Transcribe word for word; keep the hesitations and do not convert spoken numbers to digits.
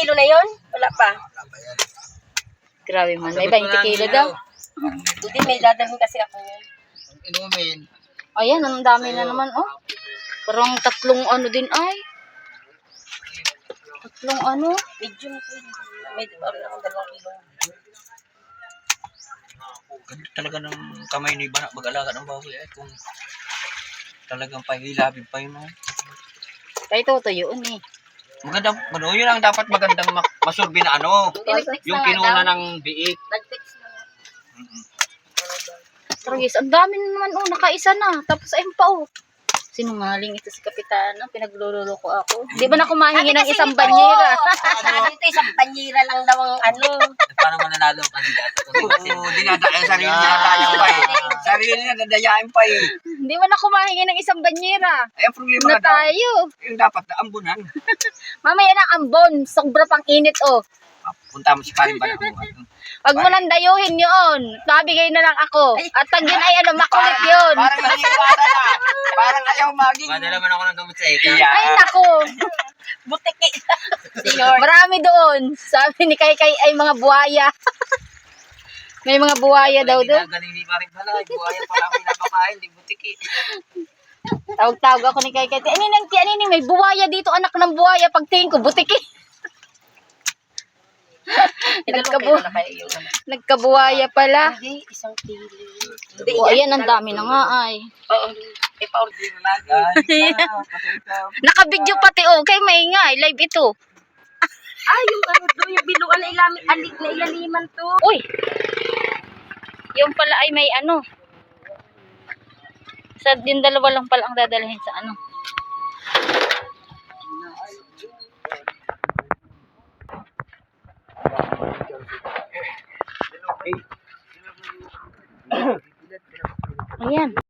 kilo na yon? Wala pa. Grabe man. May twenty kilo daw. Hindi, may dadalhin kasi ako yun. Inumin. Ayan, ang dami na naman, oh. Parang tatlong ano din, ay. Tatlong ano. Medium po. May parang akong dalawang kilo. Ganda talaga ng kamay ni Bana mag-alaga ng baboy eh. Kung talagang pahilabig pa yun. Oh. Kaya tutuyo, eh. Maganda, ano, yun ang dapat magandang ma- masurbi na ano. Yung kinuna ng biik. Nag-text na nga. Mm-hmm. Pero guys, ang dami na naman, oh. Nakaisa na. Tapos ayun pa, oh. Sinungaling ito si Kapitana. Pinaglulolo ko ako. Di ba na kumahingi ng isang banyera? Sabi ito, isang banyera lang daw ang ano. Paano mananalo ang kandidato? Oo, dinadaya, sarili niya dadayain pa eh. Sarili niya dadayain pa eh. Di ba na kumahingi ng isang banyera? Ay, ang problema Na na daw, tayo. yung dapat na ambunan. Mamaya na ambon. Sobra pang init, oh. Punta mo si Paring Bana mo. Wag mo nang dayuhin yun. Nabigay na lang ako. At pag yun ay ano, makulit yun. Parang naniniwala na. Parang ayaw maging. Madala man ako ng gamot sa ika. Ay, naku. Butiki. Marami doon. Sabi ni Kay Kay ay mga buhaya. May mga buhaya daw doon. Galing ni Paring Bana. Buhaya pala ang pinapakain. Di butiki. Tawag-tawag ako ni Kay Kay. Ano nang ti ano may buhaya dito, anak ng buhaya. Pagtingin ko, butiki. Nagkabu Nagkabuhaya pala. Hindi, isang kilo. O, ayan, ang dami na nga ay. Oo. Ipa-order na lang. Nakabidyo pati, oh. Kay maingay. Live ito. Ah, yung ano doon, yung biluan na ilalim, alik na ilaliman to. Uy. Yung pala ay may ano. Sa yung dalawa lang pala ang dadalhin sa ano. Ayan.